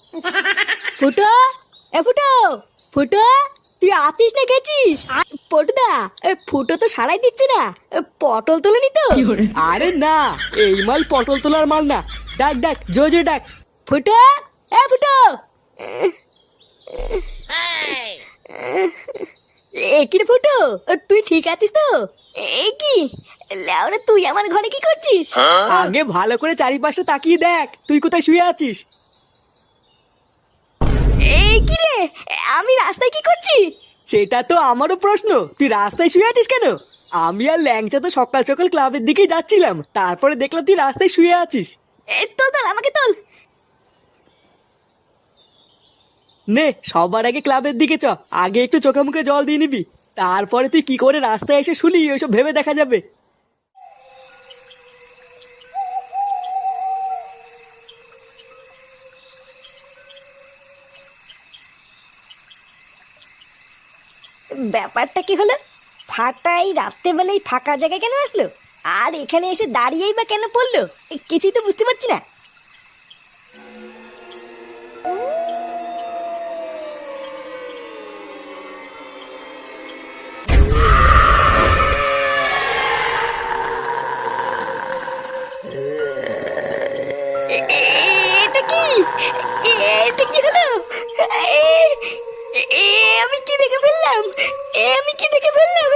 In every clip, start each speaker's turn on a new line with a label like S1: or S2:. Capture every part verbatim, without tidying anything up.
S1: ফুটো, এ ফুটো, ফুটো, তুই আতিস না গেছিস? পটুদা, এ ফুটো তো সারাই দিচ্ছে না। এ পটল তোলেনি তো?
S2: আরে না, এই মাল পটল তোলার মাল না। ডাক ডাক, জোরে জোরে ডাক।
S1: ফুটো, এ ফুটো। এ কি রে ফুটো, তুই ঠিক আছিস তো? এ কি লেওরা, তুই আমার ঘরে কি করছিস?
S2: আগে ভালো করে চারিপাশটা তাকিয়ে দেখ, তুই কোথায় শুয়ে আছিস।
S1: এই কি রে, আমি রাস্তায় কি করছি?
S2: সেটা তো আমারও প্রশ্ন, তুই রাস্তায় শুয়ে আছিস কেন? আমি আর ল্যাংচা তো সকাল সকাল ক্লাবের দিকেই যাচ্ছিলাম, তারপরে দেখলাম তুই রাস্তায় শুয়ে আছিস।
S1: এই তো তোল, আমাকে তোল।
S2: নে, সবার আগে ক্লাবের দিকে চ, আগে একটু চোখে মুখে জল দিয়ে নিবি, তারপরে তুই কি করে রাস্তায় এসে শুলি ওইসব ভেবে দেখা যাবে।
S1: ব্যাপারটা কি হলো? ফাটাই রাত্রেবেলায় ফাঁকা জায়গায় কেন আসলো? আর এখানে এসে দাঁড়িয়েই বা কেন পড়লো? এ, কিছুই তো বুঝতে পারছি না। এ- এ- এটা কি? এ- এটা কি হলো? এ- এ- এ আমি কি দেখে ফেললাম? এ আমি কি দেখে ফেললাম?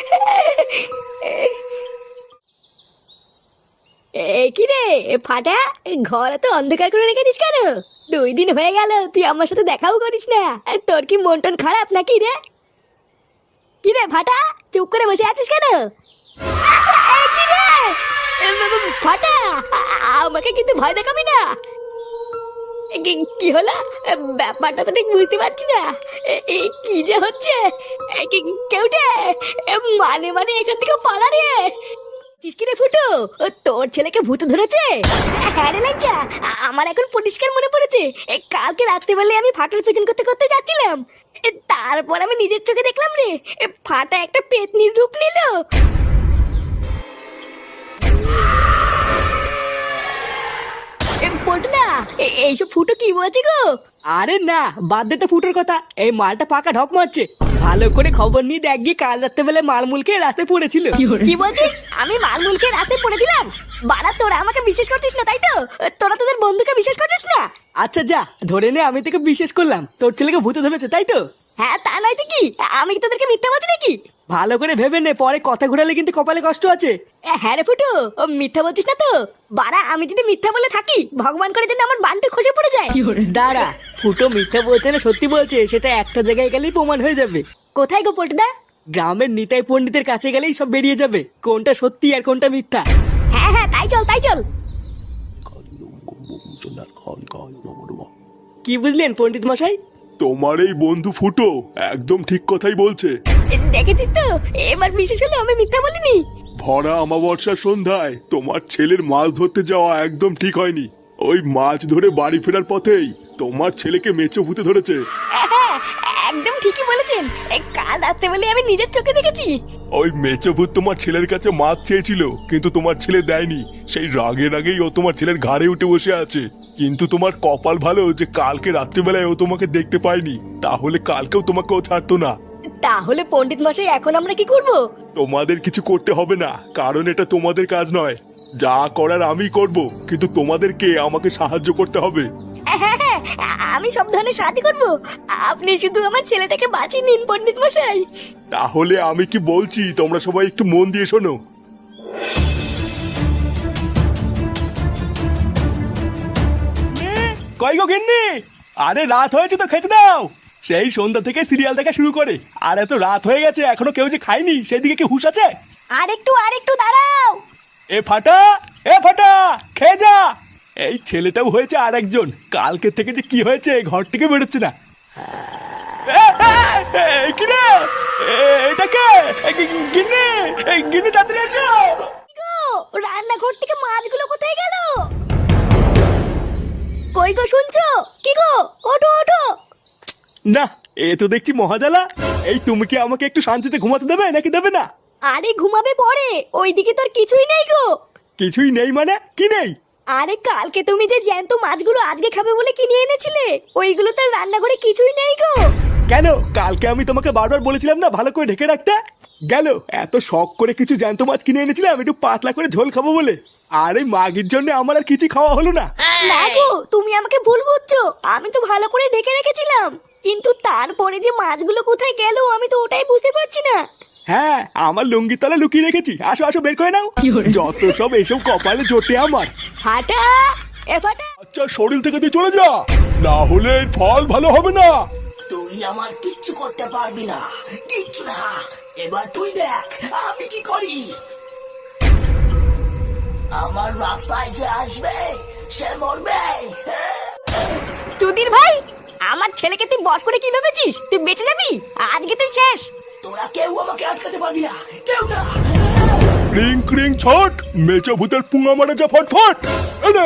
S1: এ কি রে ফাটা, ঘরে তো অন্ধকার করে রেখেছিস কেন? দুই দিন হয়ে গেল তুই আমার সাথে দেখাও করিস না। তোর কি মন টন খারাপ নাকি রে? কি রে ফাটা, চুপ করে বসে আছিস কেন? এ কি রে এ, ব- ব- ফাটা, আ- আমাকে কিন্তু ভয় দেখাবি না। এ কি- কি হলো? এ, ব্যাপারটা তো ঠিক বুঝতে পারছি না। এ, এ, কি যে হচ্ছে? এ, কি- কেউটে এ, মানে মানে এখান থেকে পালা রে। চিসকিরে ফুটো, ও তোর ছেলেকে ভূত ধরেছে? হ্যাঁ রে লাজ্জা, আ- আমার এখন পরিষ্কার মনে পড়েছে। এ, কালকে রাত্রেবেলায় আমি ফাটার পেছন করতে করতে যাচ্ছিলাম। এ, তারপর আমি নিজের চোখে দেখলাম রে, এ, ফাটা একটা পেতনির রূপ নিল। এ, পল্টুদা, এ- এইসব ফুটো কি বলছে গো?
S2: আরে না, বাদ দে তো ফুটোর কথা, এই মালটা পাকা ঢক মারছে। ভালো করে খবর নিয়ে দেখ গিয়ে, কাল রাত্রেবেলায় মালমুলকে রাস্তায় পড়েছিল।
S1: কি বলছিস? আমি মালমুলকে রাস্তায় পড়েছিলাম? বাড়া, তোরা আমাকে বিশ্বাস করতিস না তাই তো? তোরা তোদের বন্ধুকে বিশ্বাস করতিস না?
S2: আচ্ছা যা, ধরে নে আমি তোকে বিশ্বাস করলাম, তোর ছেলেকে ভূতে ধরেছে তাই তো?
S1: হ্যাঁ, তা নয় তো কি? আমি কি তোদেরকে মিথ্যা বলছি নাকি?
S2: ভালো করে ভেবে নে, পরে কথা ঘোরালে কিন্তু কপালে কষ্ট আছে।
S1: এ, হ্যাঁ রে ফুটো, ও মিথ্যা বলছিস না তো? বাড়া, আমি যদি মিথ্যা বলে থাকি, ভগবান করে যেন আমার বানটা খসে পড়ে যায়।
S2: দাঁড়া, ফুটো মিথ্যা বলছে না সত্যি বলছে সেটা একটা জায়গায় গেলেই প্রমাণ হয়ে যাবে।
S1: কোথায় গো পল্টুদা?
S2: গ্রামের নিতাই পণ্ডিতের কাছে গেলেই সব বেরিয়ে যাবে, কোনটা সত্যি আর কোনটা মিথ্যা।
S1: হ্যাঁ হ্যাঁ, তাই চল তাই চল।
S2: কি বুঝলেন পণ্ডিত মশাই?
S3: তোমার এই বন্ধু ফুটো একদম ঠিক কথাই বলছে।
S1: এ, দেখেছিস তো, এবার বিশেষ হলো আমি মিথ্যা বলিনি।
S3: ভরা অমাবস্যার সন্ধ্যায় তোমার ছেলের মাছ ধরতে যাওয়া একদম ঠিক হয়নি। ওই মাছ ধরে বাড়ি ফেরার পথেই তোমার ছেলেকে মেচো ভূতে ধরেছে।
S1: হ্যাঁ, একদম ঠিকই বলেছেন। এই কাল রাত্রে বলে আমি নিজের চোখে দেখেছি।
S3: ওই মেচো ভূত তোমার ছেলের কাছে মাছ চেয়েছিল, কিন্তু তোমার ছেলে দেয়নি। সেই রাগে রাগেই ও তোমার ছেলের ঘাড়ে উঠে বসে আছে। কিন্তু তোমার কপাল ভালো যে কালকে রাত্রিবেলায় ও তোমাকে দেখতে পায়নি, তাহলে কালকেও তোমাকে ও ছাড়তো না।
S1: তাহলে পণ্ডিত মশাই, এখন আমরা কি করব?
S3: তোমাদের কিছু করতে হবে না, কারণ এটা তোমাদের কাজ নয়। যা করার আমি করব, কিন্তু তোমাদেরকে আমাকে সাহায্য করতে হবে।
S1: হ্যাঁ হ্যাঁ, আমি সব ধরনের সাহায্য করব। আপনি শুধু আমার ছেলেটাকে বাঁচিয়ে নিন পণ্ডিত মশাই।
S3: তাহলে আমি কি বলছি তোমরা সবাই একটু মন দিয়ে শোনো।
S2: কই গো গিন্নি, আরে রাত হয়েছে তো খেতে দাও। সেই সন্ধ্যা থেকে সিরিয়াল দেখা শুরু করে আর এত রাত হয়ে গেছে এখনো কেউ যে খায়নি, সেদিকে কি হুঁশ আছে?
S1: আর একটু আর একটু দাঁড়াও।
S2: এ ফাটা, এ ফাটা, খেয়ে যা। এই ছেলেটাও হয়েছে আর একজন, কালকে থেকে যে কি হয়েছে ঘর থেকে বেরোচ্ছে না। এ, এ, এ, কি রে? এ, এটা কে? এ, গি- গিন্নি, এ, গিন্নি তাড়াতাড়ি এসো।
S1: কি গো, রান্নাঘর থেকে মাছগুলো কোথায় গেল? কই গো, শুনছো? কি গো, ওঠো ওঠো।
S2: না, এ তো দেখছি মহাজালা। এই তুমি কি আমাকে একটু শান্তিতে ঘুমাতে দেবে নাকি দেবে না?
S1: আরে ঘুমাবে পরে, ওইদিকে তোর কিছুই নেই গো।
S2: কিছুই নেই মানে কি নেই?
S1: আরে কালকে তুমি যে জ্যান্ত মাছগুলো আজকে খাবে বলে কিনে এনেছিলে, ওইগুলো তো রান্নাঘরে কিছুই নেই গো।
S2: কেন, কালকে আমি তোমাকে বারবার বলেছিলাম না ভালো করে ঢেকে রাখতে? গেল এত শখ করে কিছু জ্যান্ত মাছ কিনে এনেছিলাম একটু পাতলা করে ঝোল খাবো বলে, আর এই মাগির জন্য আমার আর কিছু খাওয়া হলো না।
S1: না গো, তুমি আমাকে ভুল বুঝছো, আমি তো ভালো করে ঢেকে রেখেছিলাম, কিন্তু তারপরে যে মাছগুলো কোথায় গেল আমি তো ওটাই বুঝতে পারছি না।
S2: হ্যাঁ, আমার লুঙ্গির তলা লুকিয়ে রেখেছি, আসো আসো বের করে নাও। যত সব এসব কপালে জোটে আমার।
S1: ফাটা, এ ফাটা,
S3: আচ্ছা শরীর থেকে তুই চলে যা, না হলে এর ফল ভালো হবে না।
S4: তুই আমার কিচ্ছু করতে পারবি না, কিচ্ছু না। এবার তুই দেখ আমি কি করি। আমার রাস্তায় যে আসবে সে মরবে।
S1: চুদির ভাই, আমার ছেলেকে তুই বস করে কি ভেবেছিস তুই বেঁচে যাবি? আজকে তুই শেষ।
S4: তোরা কেউ আমাকে আটকাতে পারবি না, কেউ না।
S3: ক্রিং ক্রিং ছট, মেচো ভূতের পুঙ্গা মারা যা ফটফট। এনে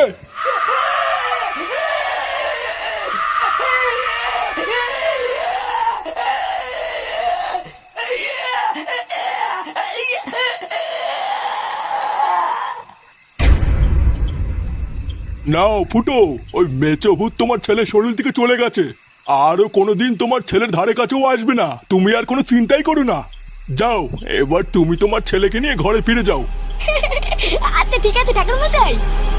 S3: নাও ফুটো, ওই মেচো ভূত তোমার ছেলের শরীর থেকে চলে গেছে, আরো কোনোদিন তোমার ছেলের ধারে কাছেও আসবে না। তুমি আর কোনো চিন্তাই করো না। যাও এবার তুমি তোমার ছেলেকে নিয়ে ঘরে ফিরে যাও।
S1: আচ্ছা ঠিক আছে ঠাকুর মশাই।